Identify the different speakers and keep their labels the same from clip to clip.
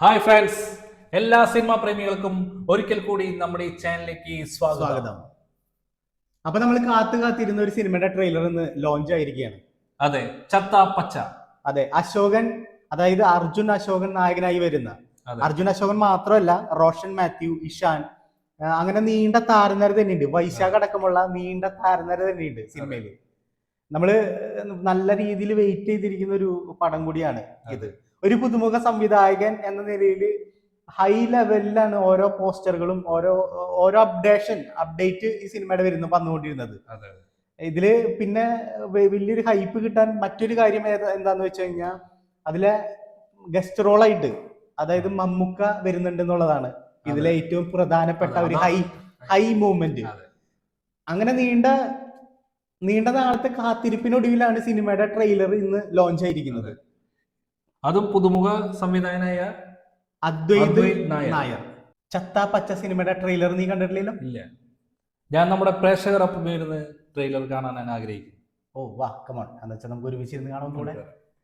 Speaker 1: Hi friends, എല്ലാ cinema പ്രേമികൾക്കും ഒരിക്കൽ കൂടി നമ്മുടെ ഈ ചാനലിലേക്ക് സ്വാഗതം.
Speaker 2: അപ്പൊ നമ്മൾ കാത്തിരുന്ന ഒരു സിനിമയുടെ ട്രെയിലർ ഇന്ന് ലോഞ്ച് ആയിരിക്കുകയാണ്.
Speaker 1: അതെ, ചത്ത പച്ച.
Speaker 2: അതെ, അശോകൻ, അതായത് അർജുൻ അശോകൻ നായകനായി വരുന്ന. അർജുൻ അശോകൻ മാത്രമല്ല, റോഷൻ മാത്യു, ഇഷാൻ, അങ്ങനെ നീണ്ട താരനിര തന്നെയുണ്ട്. വൈശാഖ് അടക്കമുള്ള നീണ്ട താരനിര തന്നെയുണ്ട് സിനിമയില്. നമ്മള് നല്ല രീതിയിൽ വെയിറ്റ് ചെയ്തിരിക്കുന്ന ഒരു പടം കൂടിയാണ് ഇത്. ഒരു പുതുമുഖ സംവിധായകൻ എന്ന നിലയിൽ ഹൈ ലെവലിലാണ് ഓരോ പോസ്റ്ററുകളും ഓരോ അപ്ഡേറ്റ് ഈ സിനിമയുടെ വന്നുകൊണ്ടിരുന്നത്. ഇതില് പിന്നെ വലിയൊരു ഹൈപ്പ് കിട്ടാൻ മറ്റൊരു കാര്യം എന്താന്ന് വെച്ച് കഴിഞ്ഞാൽ അതിലെ ഗസ്റ്റ് റോളായിട്ട്, അതായത് മമ്മൂക്ക വരുന്നുണ്ട് എന്നുള്ളതാണ് ഇതിലെ ഏറ്റവും പ്രധാനപ്പെട്ട ഒരു ഹൈ മൂവ്മെന്റ്. അങ്ങനെ നീണ്ട നാളത്തെ കാത്തിരിപ്പിനൊടുവിലാണ് സിനിമയുടെ ട്രെയിലർ ഇന്ന് ലോഞ്ച് ആയിരിക്കുന്നത്.
Speaker 1: അതും പുതുമുഖ സംവിധായകനായ
Speaker 2: അദ്വൈത് നായർ. ചത്ത പച്ച സിനിമയുടെ ട്രെയിലർ നീ കണ്ടിട്ടില്ലല്ലോ?
Speaker 1: ഇല്ല, ഞാൻ നമ്മുടെ പ്രേക്ഷകരൊപ്പം ഇരുന്ന് ട്രെയിലർ കാണാൻ ഞാൻ ആഗ്രഹിക്കുന്നു.
Speaker 2: ഓ വാ, കമോൺ, എന്ന് വെച്ചാൽ നമുക്ക് ഒരുമിച്ച് ഇരുന്ന് കാണാവുന്നൂടെ.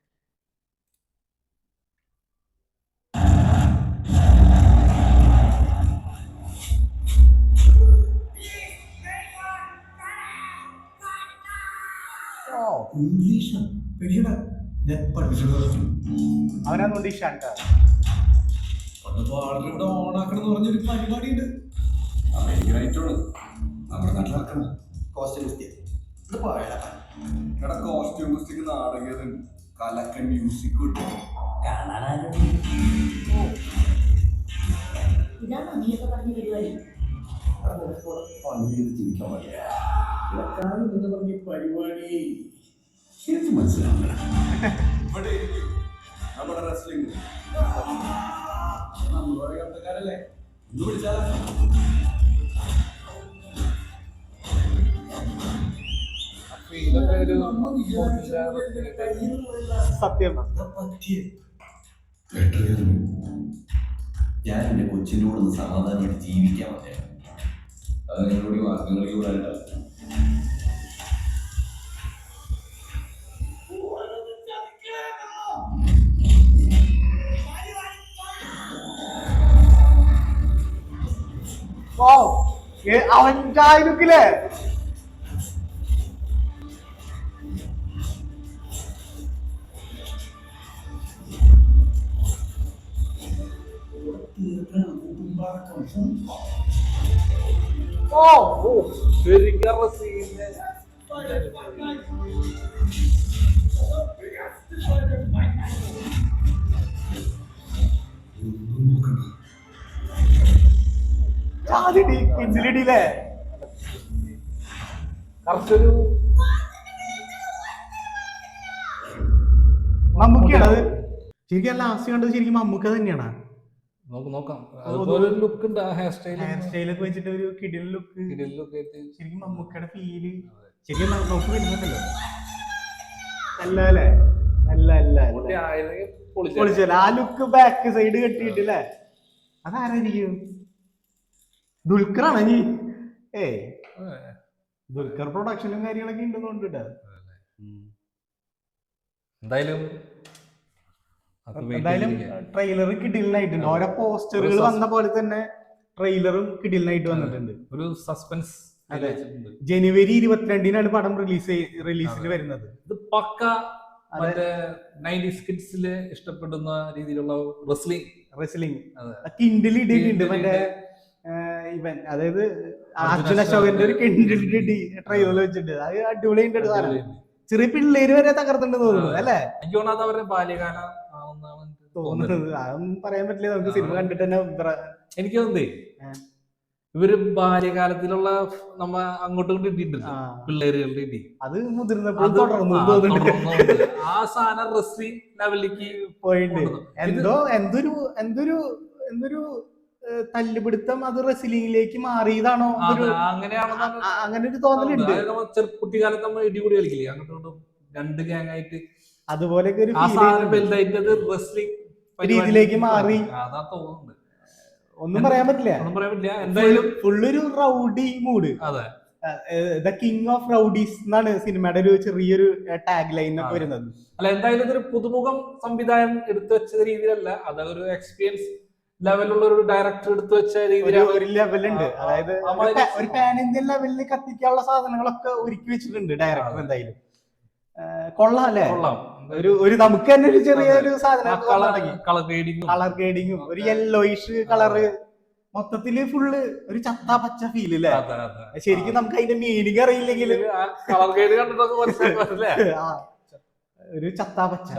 Speaker 2: അവനാന്നുണ്ട് ഇഷാൻ.
Speaker 3: ഓണാക്കണമെന്ന് പറഞ്ഞൊരു പരിപാടിയുണ്ട്. അമേരിക്കനായിട്ടാണ് നമ്മുടെ നാട്ടിൽ നടക്കുന്നത്. കോസ്റ്റ്യൂമിസ്റ്റിക് നാടകം, കലക്കൻ മ്യൂസിക് കിട്ടും. പണി ചെയ്ത് ജീവിക്കാൻ പറ്റില്ല പരിപാടി. എനിക്ക് മനസ്സിലാവില്ല. ഇവിടെ നമ്മുടെ റെസ്ലിംഗ് കണ്ടക്കാരല്ലേ, ഒന്ന് വിളിച്ചാലോ?
Speaker 2: സത്യം.
Speaker 3: ഞാൻ എന്റെ കൊച്ചിനോടൊന്ന് സമാധാനമായിട്ട് ജീവിക്കാൻ പറ്റില്ല. അത് നിങ്ങളോട് മാർഗങ്ങളിൽ കൂടാനില്ല.
Speaker 2: അവൻ്റെ ലുക്കില്ലേ? പിന്നിലിടിയില്ലേ?
Speaker 1: കറക്റ്റൊരു
Speaker 2: മമ്മൂക്കയാണ് അത്. ശരിക്കും ലാസ്റ്റ് കണ്ടത് ശരിക്കും മമ്മൂക്ക തന്നെയാണ്.
Speaker 1: നോക്കാം. അതുപോലെ ലുക്ക് ഉണ്ട്, ഹെയർ
Speaker 2: സ്റ്റൈലൊക്കെ വെച്ചിട്ട് ഒരു കിടിലൻ ലുക്ക്. ശരിക്കും മമ്മൂക്കയുടെ ഫീല് ശരിക്കും നമുക്ക് വരുന്നുണ്ടല്ലോ. പൊളിച്ചല്ല ആ ലുക്ക്. ബാക്ക് സൈഡ് കെട്ടിയിട്ടില്ലേ? അതാരായിരിക്കും? ദുൽഖറാണ് നീ? ദുൽഖർ പ്രൊഡക്ഷനും കാര്യങ്ങളൊക്കെ ഉണ്ടെന്നുണ്ട്.
Speaker 1: എന്തായാലും
Speaker 2: ട്രെയിലർ കിടിലനായിട്ടുണ്ട്. ഓരോ പോസ്റ്ററുകൾ വന്ന പോലെ തന്നെ ട്രെയിലറും കിടിലനായിട്ട് വന്നിട്ടുണ്ട്.
Speaker 1: ഒരു സസ്പെൻസ്.
Speaker 2: അതെ, ജനുവരി 22-നാണ് പടം റിലീസിന് വരുന്നത്.
Speaker 1: ഇത് പക്ക മറ്റേ 90s കിഡ്സില് ഇഷ്ടപ്പെടുന്ന രീതിയിലുള്ള റെസ്ലിംഗ്
Speaker 2: കിൻഡിലിട്ടുണ്ട്. മറ്റേ ഇവൻ, അതായത് അർജുൻ അശോകന്റെ ഒരു കിൻഡിലിറ്റി ട്രെയിലർ വെച്ചിട്ടുണ്ട്. അത് അടിപൊളിയുണ്ട്. ചെറിയ പിള്ളേര് വരെ തകർത്തുണ്ടെന്ന് തോന്നുന്നു അല്ലേ?
Speaker 1: എനിക്ക് തോന്നുന്നത് അവരുടെ ബാല്യകാല
Speaker 2: തോന്നുന്നത്. അതൊന്നും പറയാൻ പറ്റില്ല, നമുക്ക് സിനിമ കണ്ടിട്ട് തന്നെ.
Speaker 1: എനിക്ക് തോന്നുന്നേ ഇവര് ബാല്യകാലത്തിലുള്ള നമ്മ അങ്ങോട്ടും ഇട്ടിട്ടുണ്ട് പിള്ളേരുകളുടെ ഇടി.
Speaker 2: അത് മുതിർന്നപ്പോൾ തുടർന്നു
Speaker 1: ആ സാധനം റെസ്ലിംഗ് ലെവലിലേക്ക്
Speaker 2: പോയിട്ടുണ്ട്. എന്തൊരു തല്ലുപിടുത്തം അത് റെസ്ലിംഗിലേക്ക് മാറിയതാണോ? അങ്ങനെ ഒരു തോന്നലുണ്ട്.
Speaker 1: കുട്ടിക്കാലത്ത് നമ്മൾ ഇടികൂടി കളിക്കില്ലേ, അങ്ങോട്ടും രണ്ട് ഗ്യാങ് ആയിട്ട്,
Speaker 2: അതുപോലെയൊക്കെ ഒരു
Speaker 1: റെസ്ലിംഗ്
Speaker 2: രീതിയിലേക്ക് മാറി.
Speaker 1: അതാ തോന്നുന്നുണ്ട്.
Speaker 2: ഒന്നും പറയാൻ പറ്റില്ല.
Speaker 1: എന്തായാലും
Speaker 2: ഫുള്ളൊരു റൗഡി മൂഡ്.
Speaker 1: അതെ,
Speaker 2: ദ കിങ് ഓഫ് റൗഡീസ് എന്നാണ് സിനിമയുടെ ഒരു ചെറിയൊരു ടാഗ് ലൈൻ ഒക്കെ വരുന്നത്.
Speaker 1: അല്ല എന്തായാലും ഇതൊരു പുതുമുഖം സംവിധാനം എടുത്തു വെച്ച രീതിയിലല്ല, അതൊരു എക്സ്പീരിയൻസ് ലെവലുള്ള ഒരു ഡയറക്ടർ എടുത്തു വെച്ച രീതിയിലാണ്.
Speaker 2: ഒരു ലെവലുണ്ട്, അതായത് ഒരു പാൻ ഇന്ത്യൻ ലെവലിൽ കത്തിക്കാനുള്ള സാധനങ്ങളൊക്കെ ഒരുക്കി വെച്ചിട്ടുണ്ട് ഡയറക്ടർ. എന്തായാലും കൊള്ളാം അല്ലേ?
Speaker 1: കൊള്ളാം.
Speaker 2: ഒരു നമുക്ക് തന്നെ ഒരു ചെറിയൊരു സാധനം,
Speaker 1: കളർ
Speaker 2: ഗ്രേഡിങ്ങും ഒരു യെല്ലോയിഷ് കളറ്, മൊത്തത്തില് ഫുള്ള് ഒരു ചത്താ പച്ച ഫീൽ അല്ലേ? ശരിക്കും നമുക്ക് അതിന്റെ മീനിങ് അറിയില്ലെങ്കിൽ
Speaker 1: കളർ ഗ്രേഡ് കണ്ടിട്ടൊക്കെ മനസ്സിലാക്കാറില്ലേ?
Speaker 2: ഒരു ചത്താ പച്ച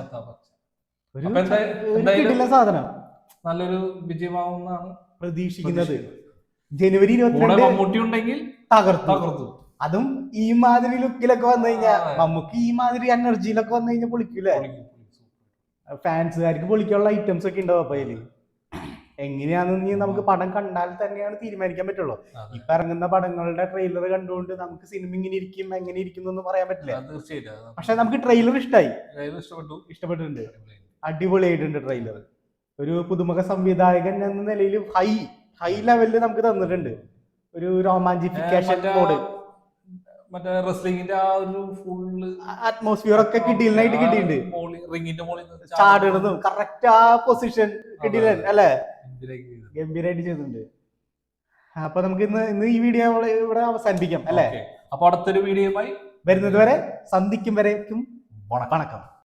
Speaker 1: ഒരു
Speaker 2: കിടില സാധനം.
Speaker 1: നല്ലൊരു വിജയമാവുന്നാണ്
Speaker 2: പ്രതീക്ഷിക്കുന്നത്. ജനുവരി 22
Speaker 1: മമ്മൂട്ടി ഉണ്ടെങ്കിൽ
Speaker 2: തകർത്തു. അതും ഈ മാതിരി ലുക്കിലൊക്കെ വന്നു കഴിഞ്ഞാൽ, നമുക്ക് ഈ മാതിരി എനർജിയിലൊക്കെ വന്നു കഴിഞ്ഞാൽ പൊളിക്കൂലേ? ഫാൻസുകാർക്ക് പൊളിക്കാനുള്ള ഐറ്റംസ് ഒക്കെ ഉണ്ടാവും. അപ്പൊ അതില് എങ്ങനെയാണെന്ന് നമുക്ക് പടം കണ്ടാൽ തന്നെയാണ് തീരുമാനിക്കാൻ പറ്റുള്ളൂ. ഇപ്പൊ ഇറങ്ങുന്ന പടങ്ങളുടെ ട്രെയിലർ കണ്ടുകൊണ്ട് നമുക്ക് സിനിമ ഇങ്ങനെ ഇരിക്കും എങ്ങനെ ഇരിക്കും എന്ന് പറയാൻ പറ്റില്ല. പക്ഷെ നമുക്ക് ട്രെയിലർ ഇഷ്ടപ്പെട്ടിട്ടുണ്ട്, അടിപൊളിയായിട്ടുണ്ട് ട്രെയിലർ. ഒരു പുതുമുഖ സംവിധായകൻ എന്ന നിലയിൽ ഹൈ ലെവലിൽ നമുക്ക് തന്നിട്ടുണ്ട് ഒരു റൊമാൻറ്റിഫിക്കേഷൻ മോഡ്.
Speaker 1: മറ്റേ റെസ്ലിംഗിന്റെ ആ ഒരു ഫുള്ള്
Speaker 2: അറ്റ്മോസ്ഫിയർ ഒക്കെ കിട്ടിയിട്ടുണ്ട്. ചാടുന്നതും കറക്റ്റ് ആ പൊസിഷൻ കിട്ടിയില്ല അല്ലേ? ഗംഭീരമായിട്ട് ചെയ്തിട്ടുണ്ട്. അപ്പൊ നമുക്ക് ഇന്ന് ഈ വീഡിയോ ഇവിടെ അവസാനിപ്പിക്കാം അല്ലേ?
Speaker 1: അപ്പൊ അടുത്തൊരു വീഡിയോയുമായി
Speaker 2: വരുന്നത് വരെ, സന്ധിക്കും വരേക്കും വണക്കം.